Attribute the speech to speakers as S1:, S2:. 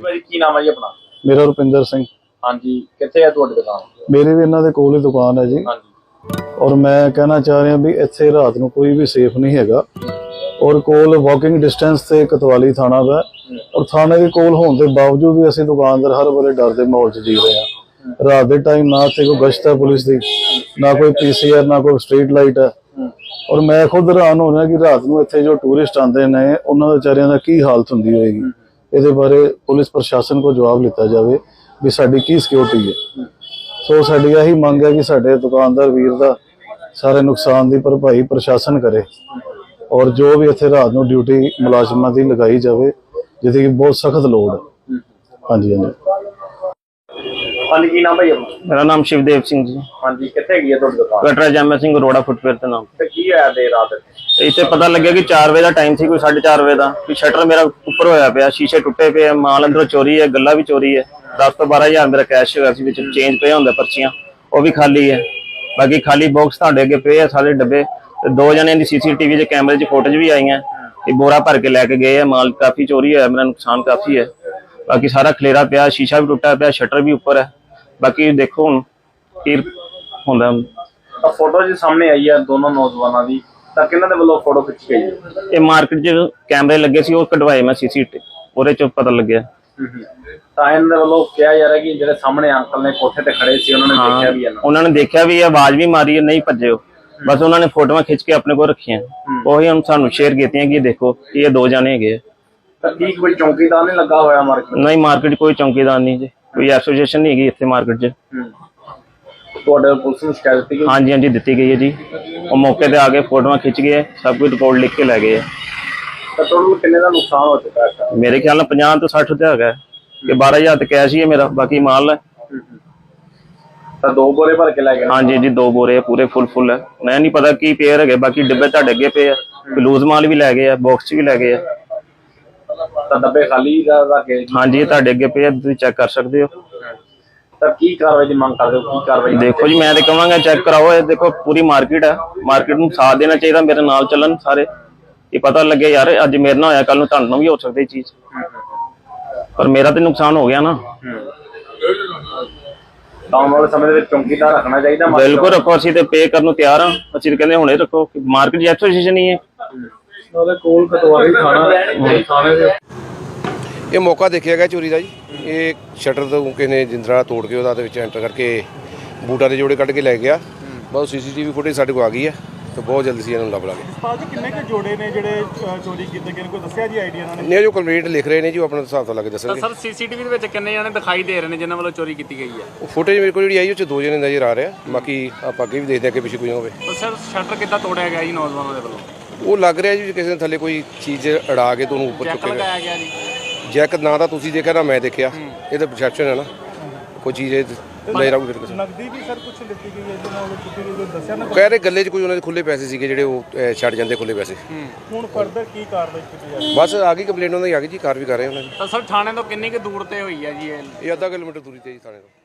S1: ਭਾਈ ਕੀ ਨਾਮ ਹੈ ਜੀ ਆਪਣਾ?
S2: ਮੇਰਾ ਰੁਪਿੰਦਰ ਸਿੰਘ।
S1: ਹਾਂਜੀ, ਕਿੱਥੇ ਹੈ ਤੁਹਾਡੀ ਦੁਕਾਨ?
S2: ਮੇਰੀ ਵੀ ਇਹਨਾਂ ਦੇ ਕੋਲ ਹੀ ਦੁਕਾਨ ਹੈ ਜੀ।
S1: ਹਾਂਜੀ।
S2: ਔਰ ਮੈਂ ਕਹਿਣਾ ਚਾਹ ਰਿਹਾ ਵੀ ਇੱਥੇ ਰਾਤ ਨੂੰ ਕੋਈ ਵੀ ਸੇਫ ਨਹੀਂ ਹੈਗਾ। ਔਰ ਕੋਲ ਵਾਕਿੰਗ ਡਿਸਟੈਂਸ ਤੇ ਕਤਵਾਲੀ ਥਾਣਾ ਦਾ, ਔਰ ਥਾਣੇ ਦੇ ਕੋਲ ਹੋਣ ਦੇ ਬਾਵਜੂਦ ਵੀ ਅਸੀਂ ਦੁਕਾਨਦਾਰ ਹਰ ਵੇਲੇ ਡਰ ਦੇ ਮਾਹੌਲ 'ਚ ਜੀ ਰਹੇ ਹਾਂ। ਰਾਤ ਦੇ ਟਾਈਮ ਨਾ ਇੱਥੇ ਕੋਈ ਗਸ਼ਤ ਹੈ ਪੁਲਿਸ ਦੀ, ਨਾ ਕੋਈ PCR, ਨਾ ਕੋਈ ਸਟਰੀਟ ਲਾਈਟ ਹੈ। ਔਰ ਮੈਂ ਖੁਦ ਹੈਰਾਨ ਹੋ ਰਿਹਾ ਕਿ ਰਾਤ ਨੂੰ ਇੱਥੇ ਜੋ ਟੂਰਿਸਟ ਆਉਂਦੇ ਨੇ ਉਹਨਾਂ ਦੇ ਵਿਚਾਰਿਆਂ ਦਾ ਕੀ ਹਾਲਤ ਹੁੰਦੀ ਹੋਏਗੀ। ਇਹਦੇ ਬਾਰੇ ਪੁਲਿਸ ਪ੍ਰਸ਼ਾਸਨ ਕੋਲ ਜਵਾਬ ਲਿੱਤਾ ਜਾਵੇ ਵੀ ਸਾਡੀ ਕੀ ਸਿਕਿਉਰਿਟੀ ਹੈ। ਸੋ ਸਾਡੀ ਇਹੀ ਮੰਗ ਹੈ ਕਿ ਸਾਡੇ ਦੁਕਾਨਦਾਰ ਵੀਰ ਦਾ ਸਾਰੇ ਨੁਕਸਾਨ ਦੀ ਭਰਪਾਈ ਪ੍ਰਸ਼ਾਸਨ ਕਰੇ, ਔਰ ਜੋ ਵੀ ਇੱਥੇ ਰਾਤ ਨੂੰ ਡਿਊਟੀ ਮੁਲਾਜ਼ਮਾਂ ਦੀ ਲਗਾਈ ਜਾਵੇ ਜਿਹਦੀ ਕਿ ਬਹੁਤ ਸਖਤ ਲੋੜ ਹੈ। ਹਾਂਜੀ ਹਾਂਜੀ।
S1: ਹਾਂਜੀ, ਕੀ ਨਾਮ ਭਾਈ ਆਪਣਾ?
S3: मेरा नाम शिवदेव सिंह जी।
S1: ਹਾਂਜੀ, ਕਿੱਥੇ ਹੈਗੀ ਹੈ ਤੁਹਾਡੀ ਦੁਕਾਨ?
S3: कटरा जैमल सिंह रोड़ा फुटवेयर के नाम
S1: ਤੇ ਕੀ ਹੋਇਆ ਦੇਰ ਰਾਤ?
S3: इतने पता लगे कि 4 बजे का टाइम थी, कोई 4:30 बजे का कि शटर मेरा उपर होया पिया, शीशे टुटे पे, माल अंदरों चोरी है, गल्ला भी चोरी है। 10 ਤੋਂ 12 हज़ार मेरा कैश होया सी, विच चेंज पे होंदा, पर्चियां वो भी खाली है। बाकी खाली बॉक्स तुहाडे अगे पे है सारे डब्बे। दो जने दी CCTV च कैमरे च फोटोज भी आई हैं। ये बोरा भर के लैके गए है, माल काफी चोरी है, मेरा नुकसान काफी है। बाकी सारा खलेरा पिया, शीशा भी टुटा पिया, शटर भी उपर है। बाकी देखो हुण की हुंदा।
S1: ਤਾਂ ਫੋਟੋ ਜੀ ਸਾਹਮਣੇ ਆਈ ਹੈ ਦੋਨੋਂ ਨੌਜਵਾਨਾਂ ਦੀ, ਤਾਂ ਕਿਹਨਾਂ ਦੇ ਵੱਲੋਂ ਫੋਟੋ ਖਿੱਚੀ ਗਈ ਹੈ?
S3: ਇਹ ਮਾਰਕੀਟ 'ਚ ਕੈਮਰੇ ਲੱਗੇ ਸੀ, ਉਹ ਕਢਵਾਏ ਮੈਂ CCTV, ਉਹਦੇ 'ਚ ਪਤਾ ਲੱਗਿਆ।
S1: ਤਾਂ ਇਹਨਾਂ ਦੇ ਵੱਲੋਂ ਕਿਹਾ ਜਾ ਰਿਹਾ ਕਿ ਜਿਹੜੇ ਸਾਹਮਣੇ ਅੰਕਲ ਨੇ ਕੋਠੇ ਤੇ ਖੜੇ ਸੀ ਉਹਨਾਂ ਨੇ ਦੇਖਿਆ ਵੀ ਹੈ ਨਾ?
S3: ਉਹਨਾਂ ਨੇ ਦੇਖਿਆ ਵੀ, ਆਵਾਜ਼ ਵੀ ਮਾਰੀ, ਨਹੀਂ ਭੱਜੇ ਉਹ, ਬਸ ਉਹਨਾਂ ਨੇ ਫੋਟੋਆਂ ਖਿੱਚ ਕੇ ਆਪਣੇ ਕੋਲ ਰੱਖੀਆਂ, ਉਹੀ ਹੁਣ ਸਾਨੂੰ ਸ਼ੇਅਰ ਕੀਤੀਆਂ ਕਿ ਇਹ ਦੇਖੋ ਇਹ 2 ਜਾਣੇ ਹੈਗੇ।
S1: ਤਾਂ ਕੀ ਕੋਈ ਚੌਂਕੀਦਾਰ ਨਹੀਂ ਲੱਗਾ ਹੋਇਆ ਮਾਰਕੀਟ?
S3: ਨਹੀਂ, ਮਾਰਕੀਟ ਕੋਈ ਚੌਂਕੀਦਾਰ ਨਹੀਂ ਜੀ, ਕੋਈ ਐਸੋਸੀਏਸ਼ਨ ਨਹੀਂ ਹੈਗੀ ਇੱਥੇ ਮਾਰਕੀਟ 'ਚ।
S1: ਤੁਹਾਡੇ ਪੁਲਿਸ ਨੂੰ ਸ਼ਿਕਾਇਤ ਦਿੱਤੀ ਗਈ?
S3: ਹਾਂਜੀ ਹਾਂਜੀ, ਦਿੱਤੀ ਗਈ ਹੈ ਜੀ। ਉਹ ਮੌਕੇ ਤੇ ਆ ਕੇ ਫੋਟੋਆਂ ਖਿੱਚ ਗਏ, ਸਭ ਕੁਝ ਰਿਪੋਰਟ ਲਿਖ ਕੇ ਲੈ ਗਏ।
S1: ਤਾਂ ਟੋਟਲ ਕਿੰਨੇ ਦਾ ਨੁਕਸਾਨ ਹੋ ਚੁੱਕਾ ਹੈ?
S3: ਮੇਰੇ ਖਿਆਲ ਨਾਲ 50 ਤੋਂ 60 ਤੇ ਹੈਗਾ ਕਿ 12,000 ਤੇ ਕੈਸ਼ ਹੀ ਹੈ ਮੇਰਾ, ਬਾਕੀ ਮਾਲ ਹੈ।
S1: ਤਾਂ 2 ਬੋਰੇ ਭਰ ਕੇ ਲੈ ਗਏ?
S3: ਹਾਂਜੀ ਜੀ, 2 ਬੋਰੇ ਪੂਰੇ ਫੁੱਲ ਹੈ। ਮੈਂ ਨਹੀਂ ਪਤਾ ਕੀ ਪੇਅਰ ਹੈਗੇ, ਬਾਕੀ ਡੱਬੇ ਤੁਹਾਡੇ ਅੱਗੇ ਪਏ ਆ, ਲੂਜ਼ ਮਾਲ ਵੀ ਲੈ ਗਏ ਆ, ਬਾਕਸ 'ਚ ਵੀ ਲੈ ਗਏ ਆ।
S1: ਤਾਂ ਡੱਬੇ ਖਾਲੀ ਰੱਖ ਗਏ?
S3: ਹਾਂਜੀ, ਤੁਹਾਡੇ ਅੱਗੇ ਪਏ ਆ, ਤੁਸੀਂ ਚੈੱਕ ਕਰ ਸਕਦੇ ਹੋ।
S1: ਤਾਂ ਕੀ ਕਾਰਵਾਈ ਦੀ ਮੰਗ ਕਰਦੇ ਹੋ? ਕੀ ਕਾਰਵਾਈ?
S3: ਦੇਖੋ ਜੀ, ਮੈਂ ਤੇ ਕਹਾਂਗਾ ਚੈੱਕ ਕਰਾਓ। ਇਹ ਦੇਖੋ ਪੂਰੀ ਮਾਰਕੀਟ ਹੈ, ਮਾਰਕੀਟ ਨੂੰ ਸਾਥ ਦੇਣਾ ਚਾਹੀਦਾ, ਮੇਰੇ ਨਾਲ ਚੱਲਣ ਸਾਰੇ, ਇਹ ਪਤਾ ਲੱਗੇ ਯਾਰ ਅੱਜ ਮੇਰੇ ਨਾਲ ਹੋਇਆ, ਕੱਲ ਨੂੰ ਤੁਹਾਨੂੰ ਵੀ ਹੋ ਸਕਦੀ ਇਹ ਚੀਜ਼, ਪਰ ਮੇਰਾ ਤੇ ਨੁਕਸਾਨ ਹੋ ਗਿਆ ਨਾ।
S1: ਤਾਂ ਆਉਣ ਵਾਲੇ ਸਮੇਂ ਦੇ ਵਿੱਚ ਚੌਂਕੀਦਾਰ ਰੱਖਣਾ ਚਾਹੀਦਾ?
S3: ਬਿਲਕੁਲ ਰੱਖੋ, ਅਸੀਂ ਤੇ ਪੇ ਕਰਨ ਨੂੰ ਤਿਆਰ ਹਾਂ। ਅਸੀਂ ਤੇ ਕਹਿੰਦੇ ਹੁਣੇ ਰੱਖੋ, ਮਾਰਕੀਟ ਦੀ ਐਸੋਸੀਏਸ਼ਨ ਹੀ ਹੈ।
S1: ਉਹਦੇ ਕੋਲ ਕਤਵਾਲੀ ਥਾਣੇ ਦੇ
S4: ਇਹ ਮੌਕਾ ਦੇਖਿਆ ਗਿਆ ਚੋਰੀ ਦਾ ਜੀ। ਇਹ ਸ਼ਟਰ ਤੋਂ ਕਿਸੇ ਨੇ ਜਿੰਦਰਾ ਤੋੜ ਕੇ ਉਹਦਾ ਦੇ ਵਿੱਚ ਐਂਟਰ ਕਰਕੇ ਬੂਟਾਂ ਦੇ ਜੋੜੇ ਕੱਢ ਕੇ ਲੈ ਗਿਆ। ਬਹੁਤ CCTV ਫੁਟੇਜ ਸਾਡੇ ਕੋਲ ਆ ਗਈ ਹੈ, ਤੇ ਬਹੁਤ ਜਲਦੀ ਸੀ ਇਹਨੂੰ ਲੱਭ ਲਾਂਗੇ।
S5: ਭਾਜੀ ਕਿੰਨੇ ਕੁ ਜੋੜੇ ਨੇ ਜਿਹੜੇ ਚੋਰੀ ਕੀਤੇ ਗਏ ਨੇ, ਕੋਈ ਦੱਸਿਆ ਜੀ ਆਈਡੀਆ ਇਹਨਾਂ ਨੇ?
S4: ਨੇ ਜੋ ਕੰਪਲੀਟ ਲਿਖ ਰਹੇ ਨੇ ਜੀ, ਉਹ ਆਪਣਾ ਹਿਸਾਬ ਤੋਂ ਲਾ ਕੇ ਦੱਸਣਗੇ।
S6: ਸਰ CCTV ਦੇ ਵਿੱਚ ਕਿੰਨੇ ਜਣੇ ਦਿਖਾਈ ਦੇ ਰਹੇ ਨੇ ਜਿਨ੍ਹਾਂ ਵੱਲੋਂ ਚੋਰੀ ਕੀਤੀ ਗਈ ਹੈ?
S4: ਉਹ ਫੁਟੇਜ ਮੇਰੇ ਕੋਲ ਜਿਹੜੀ ਆਈ ਉਹ 'ਚ 2 ਜਣੇ ਨਜ਼ਰ ਆ ਰਿਹਾ, ਬਾਕੀ ਆਪਾਂ ਅੱਗੇ ਵੀ ਦੇਖਦੇ ਅੱਗੇ ਪਿੱਛੇ ਕੋਈ ਹੋਵੇ।
S6: ਸਰ ਸ਼ਟਰ ਕਿੱਦਾਂ ਤੋੜਿਆ ਗਿਆ ਜੀ ਨੌਜਵਾਨਾਂ ਦੇ ਵੱਲੋਂ?
S4: ਉਹ ਲੱਗ ਰਿਹਾ ਜੀ ਕਿਸੇ ਨੇ ਥੱਲੇ ਕੋਈ ਚੀਜ਼ ਅੜਾ ਕੇ ਤੁਹਾਨੂੰ ਉੱਪਰ
S6: ਚੈੱਕ
S4: ਚੁੱਕੇਗਾ।
S6: ਲਗਾਇਆ ਗਿਆ ਜੀ?
S4: ਜੈਕ ਨਾ ਤਾਂ ਤੁਸੀਂ ਦੇਖਿਆ ਨਾ ਮੈਂ ਦੇਖਿਆ, ਇਹ ਤਾਂ ਪਰਸੈਪਸ਼ਨ ਹੈ ਨਾ, ਕੋਈ ਚੀਜ਼ ਲੈ ਰਾਉ ਫਿਰ ਕਿਸੇ
S5: ਨਗਦੀ ਵੀ ਸਰ ਕੁਝ ਦਿੱਤੀ ਗਈ ਹੈ ਜਿਹਨਾਂ ਵੱਲੋਂ ਚੁੱਕੀ ਗਈ, ਕੋਈ ਦੱਸਿਆ ਨਾ?
S4: ਕਹਿ ਰਹੇ ਗੱਲੇ 'ਚ ਕੋਈ ਉਹਨਾਂ ਦੇ ਖੁੱਲੇ ਪੈਸੇ ਸੀਗੇ ਜਿਹੜੇ ਉਹ ਛੱਡ ਜਾਂਦੇ ਖੁੱਲੇ ਪੈਸੇ।
S5: ਹੁਣ ਫਰਦਰ ਕੀ ਕਾਰਵਾਈ ਕੀਤੀ ਜਾਵੇ?
S4: ਬਸ ਆ ਗਈ ਕੰਪਲੇਂਟ ਉਹਨਾਂ ਦੀ, ਆ ਗਈ ਜੀ, ਕਾਰਵਾਈ ਕਰ ਰਹੇ ਉਹਨਾਂ ਦੀ।
S6: ਤਾਂ ਸਰ ਥਾਣੇ ਤੋਂ ਕਿੰਨੀ ਕੁ ਦੂਰ ਤੇ ਹੋਈ ਹੈ ਜੀ ਇਹ?
S4: ਇਹ ਅੱਧਾ ਕਿਲੋਮੀਟਰ ਦੂਰੀ ਤੇ ਜੀ ਥਾਣੇ ਤੋਂ।